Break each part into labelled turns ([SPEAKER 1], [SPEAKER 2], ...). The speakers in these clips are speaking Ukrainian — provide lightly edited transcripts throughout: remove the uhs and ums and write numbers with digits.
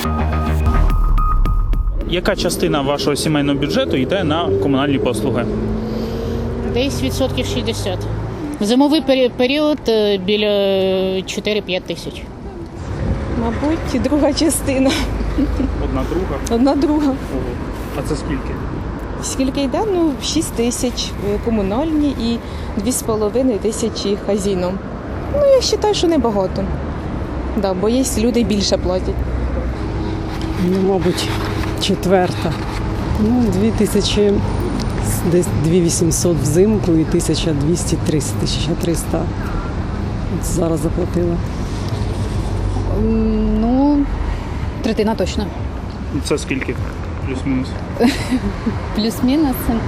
[SPEAKER 1] Яка частина вашого сімейного бюджету йде на комунальні послуги?
[SPEAKER 2] Десь відсотків 60. В зимовий період біля 4-5 тисяч.
[SPEAKER 3] Мабуть, друга частина.
[SPEAKER 1] Одна друга?
[SPEAKER 3] Одна друга.
[SPEAKER 1] А це скільки?
[SPEAKER 3] Скільки йде? Ну, 6 тисяч комунальні і 2,5 тисячі хазійном. Ну, я вважаю, що небагато. Да, бо є люди більше платять.
[SPEAKER 4] Ну, мабуть, четверта. Ну, 2000, десь 2800 взимку і 1200, 1300. От зараз заплатила.
[SPEAKER 5] Ну, третина точно.
[SPEAKER 1] Це скільки? Плюс-мінус.
[SPEAKER 5] Плюс-мінус. Так,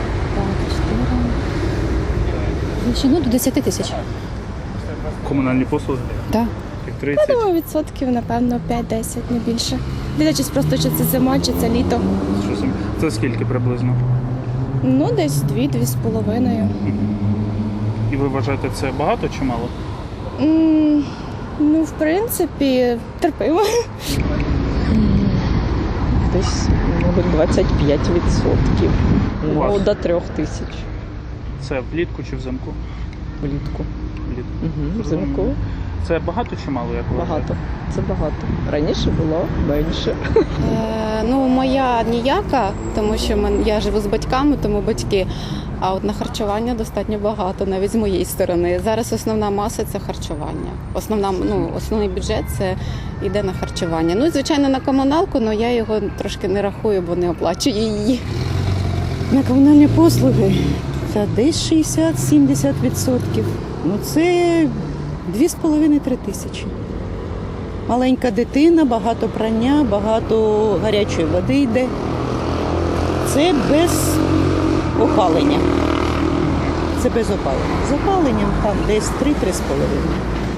[SPEAKER 5] 4. Ну, до 10 тисяч.
[SPEAKER 1] Комунальні послуги?
[SPEAKER 5] Так.
[SPEAKER 1] Як 30?
[SPEAKER 6] Думаю, відсотків, напевно, 5-10, не більше. Дивлячись просто, чи це зима, чи це літо.
[SPEAKER 1] Це скільки приблизно?
[SPEAKER 6] Ну, десь 2-2,5.
[SPEAKER 1] І ви вважаєте, це багато чи мало?
[SPEAKER 6] Ну, в принципі, терпимо.
[SPEAKER 7] Десь, мабуть, 25%.
[SPEAKER 1] У вас?
[SPEAKER 7] Ну, до 3 тисяч
[SPEAKER 1] Це влітку чи взимку?
[SPEAKER 7] влітку.
[SPEAKER 1] Влітку.
[SPEAKER 7] Угу. Взимку
[SPEAKER 1] Це багато чи мало, як ви вважаєте?
[SPEAKER 7] багато. Це багато. Раніше було менше.
[SPEAKER 8] Ну, моя ніяка, тому що я живу з батьками, тому батьки. А от на харчування достатньо багато, навіть з моєї сторони. Зараз основна маса – це харчування. Основний бюджет – це йде на харчування. Ну, і, звичайно, на комуналку, але я його трошки не рахую, бо не оплачую її.
[SPEAKER 9] На комунальні послуги це десь 60-70%. Ну це 2,5-3 тисячі. Маленька дитина, багато прання, багато гарячої води йде. Це без опалення. Це без опалення. З опаленням там десь 3-3,5.